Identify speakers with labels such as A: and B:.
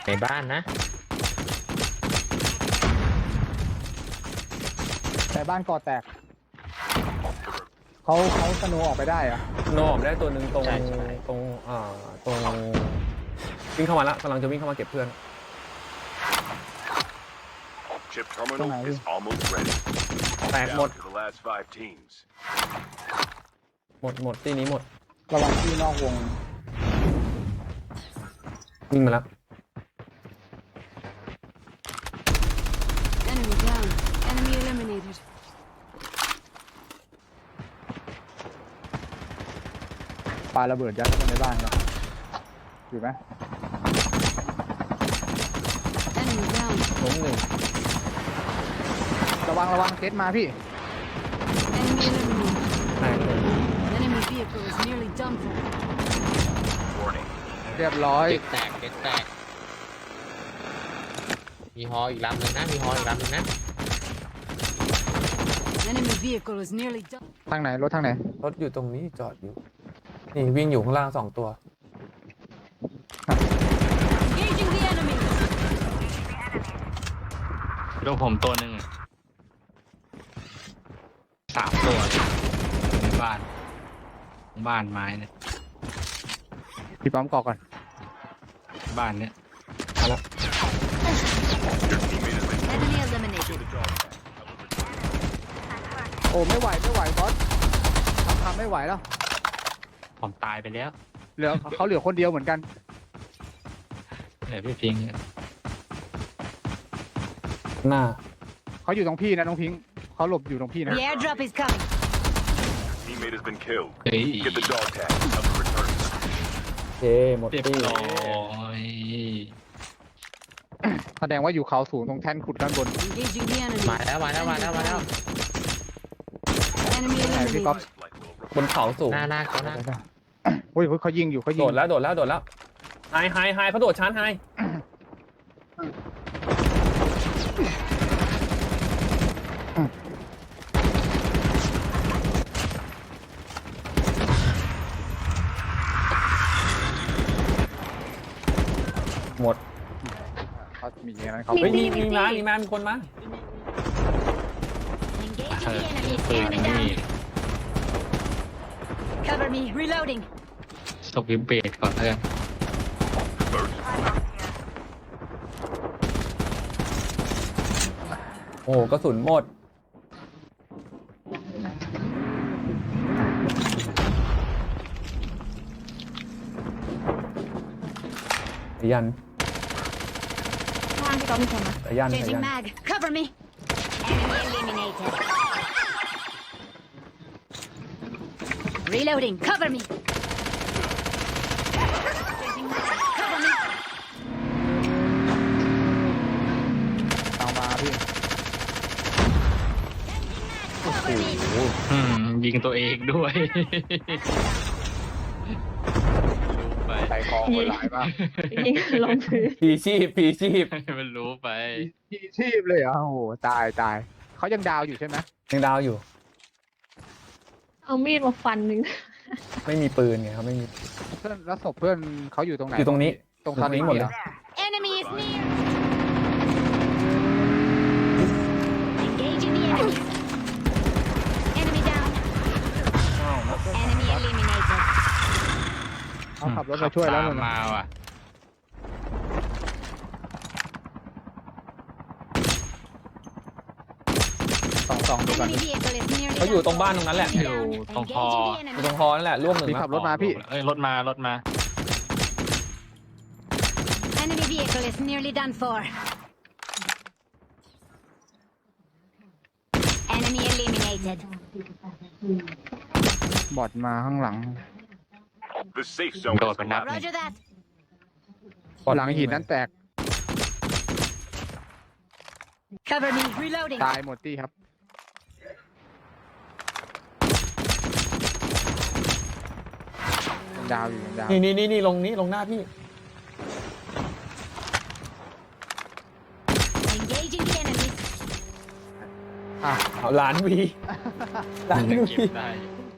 A: ในบ้านนะ
B: แต่บ้านก่อแตกเขาสโนว์ออกไปได้อะ
C: โนออกได้ตัวหนึ่งตรง
A: ใช่
C: ตรงตรงวิ่งเข้ามาละกำลังจะวิ่งเข้ามาเก็บเพื่อน
D: Chip terminal is almost ready.
C: แตกหมด
D: Down to the last 5 teams.
C: หมดที่นี้หมด
B: ระวังที่นอกวง
C: วิ่งมาแล้ว
E: Enemy down. Enemy eliminated.
B: ปาระเบิดยัดเข้าไปในบ้านนะอยู่ไหม
E: Enemy down.
C: ล้มหนึ่ง
B: ระวังเคสมาพี่
E: Enemy eliminated.
C: แตกเลย
E: Enemy vehicle is nearly done for.
D: Warning.
B: เรียบร้อย
A: เด็กแตกมีฮออีกลำหนึ่งนะมีฮออีกลำหนึ่งนะ
E: Enemy vehicle is nearly done.
B: ทางไหนรถทางไหน
C: รถอยู่ตรงนี้จอดอยู่นี่วิ่งอยู่ข้างล่าง2 ตัว
E: Engaging the enemy.
F: ดูผมตัวหนึ่ง3 ตัวในบ้านไม้เนี่ย
B: พี่ปั๊มกอกก่อน
F: บ้านเนี้ย
C: มาแล้ว
D: Your teammate has been
E: Enemy
D: to
E: eliminated.
D: the dog tag.
B: โอ้ไม่ไหวบอสทำไม่ไหวแล้ว
F: ผมตายไปแล้ว
B: เขาเหลือคนเดียวเหมือนกัน
F: เหลือพี่พิงค์
C: หน้า
B: เขาอยู่ตรงพี่นะน้องพิงค์เขาหลบอยู่ตรงพี่นะ
E: The airdrop is coming.
D: Teammate has been killed.
F: เฮ้ย
D: Get the dog tag. Help them return.
C: เจหมด
F: เรียบ
C: ตี้
F: ร้อย
B: แสดงว่าอยู่เขาสูงตรงแท่นขุดด้านบน
E: Engaging the enemy.
A: มาแล้ว
E: Enemy
B: ไหนพี่ก๊อฟ
E: eliminated.
D: Lifelike will
C: บนเขาสูง
A: หน้าเขา
B: โอ้ยเขายิงอยู่เขายิ
C: โด
B: ง
C: ดแล้วไฮเขาโดดชาร์จไฮหมด
B: เขามีอย่างนั้นเขา
C: เฮ้ยมีคนมา
E: Engaging the enemy.
F: ปืน
E: Enemy
F: นี่
E: down. Cover me. Reloading.
F: สวิปเบรดก่อนเพื่อน
D: burst.
C: โอ้กระสุนหมดยัน
E: ข้างพี่ก๊อฟมีคนนะ
C: ยัน
E: Changing mag. Cover me. Enemy eliminated. Reloading. Cover me. Changing mag. Cover me.
B: เอามาพี่
E: Cover me.
F: ยิงตัวเองด้วยรู้ไป
B: ใส่คอโหดร้ายมาก
G: ยิงลงพื้น
C: พีชีพ
F: มันรู้ไป
B: พี่ชีพเลยเหรอโอ้โหตายเขายังดาวอยู่ใช่ไหม
C: ยังดาวอยู่
G: เอามีดมาฟันหนึ่ง
C: ไม่มีปืนไงครับไม่มี
B: เพื่อนแล้วศพเพื่อนเขาอยู่ตรงไหน
C: อยู่ตรงนี้
B: ตรง
C: ตรงนี้หมดเลย
E: Enemy is near. Engaging the enemy. Enemy down. Enemy eliminated.
B: เขาขับรถมาช่วยแล้ว
F: ขับ
B: นู่น
F: ตาม
B: น่ะ
F: มาว่ะ
B: สองดูกัน
E: Enemy vehicle is nearly
C: เขาอยู่ตรงบ้านตรงนั้นแหละ
E: Enemy
F: อยู่
E: down.
F: ตรงคอ
E: Engaging the
C: อยู่ตรง
E: enemy.
C: คอนั่นแหละร่วมหนึ่ง
B: พี่
C: นะ
B: ขับรถมาพี่
F: เอ้ยรถมา
E: Enemy vehicle is nearly done for. Enemy eliminated.
B: บอดมาข้างหลัง
D: The safe zone
F: Go
D: is
F: up and up.
D: collapsing.
E: Roger that.
B: หลังหินนั้นแตก
E: Cover me. Reloading.
B: ตายหมดที่ครับยังดาวอยู่ยังดาว
C: นี่ลงหน้าพี่
E: Engaging the enemy.
B: อ่ะ
C: เอาล้านวีล้าน
F: ยัง
C: วี
F: เก็บได้อยู่